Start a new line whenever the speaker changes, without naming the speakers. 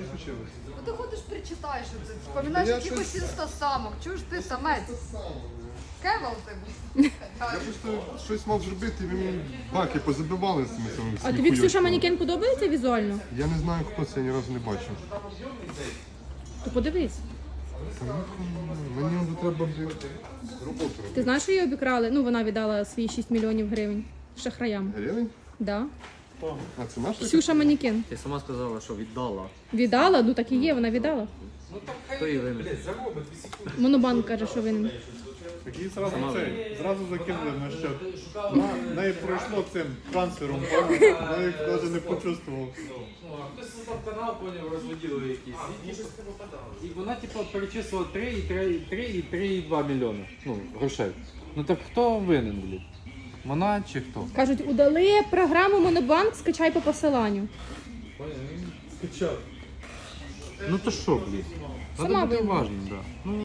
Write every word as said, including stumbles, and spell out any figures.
Що случилось?
Ну ти ходиш, причитаєш, ти вспоминаєш
Я
якихось
щось-
інстасамок, чуєш ти самець? Кевел ти
Я просто щось мав зробити, і ви мені баки позабивали з цими самими
А тобі Ксюша Манікен подобається візуально?
Я не знаю, хто це, я ні разу не бачив.
То подивись.
Та ну, мені вже треба блін, роботу
Ти
робити.
знаєш, що її обікрали? Ну, вона віддала свої шість мільйонів гривень шахраям.
Гривень?
Да.
А це наша?
Ксюша Манікен.
Ти сама сказала, що віддала.
Віддала? Ну так і є, вона віддала.
Хто її винен?
Монобанк каже, що винен.
Такі зразу це, зразу закинули на счет. Вона неї пройшло цим трансфером, вона їх навіть не почувствував.
Хтось создав канал, поняв, розводили якісь. І, і вона типу перечислила три і три і три і два мільйони. Ну, грошей. Ну так хто винен, блін? Вона чи хто?
Кажуть, удали програму Монобанк, скачай по посиланню.
Ну то що, блін?
Сама
Треба бути
винна.
уважним, так. Да. Ну,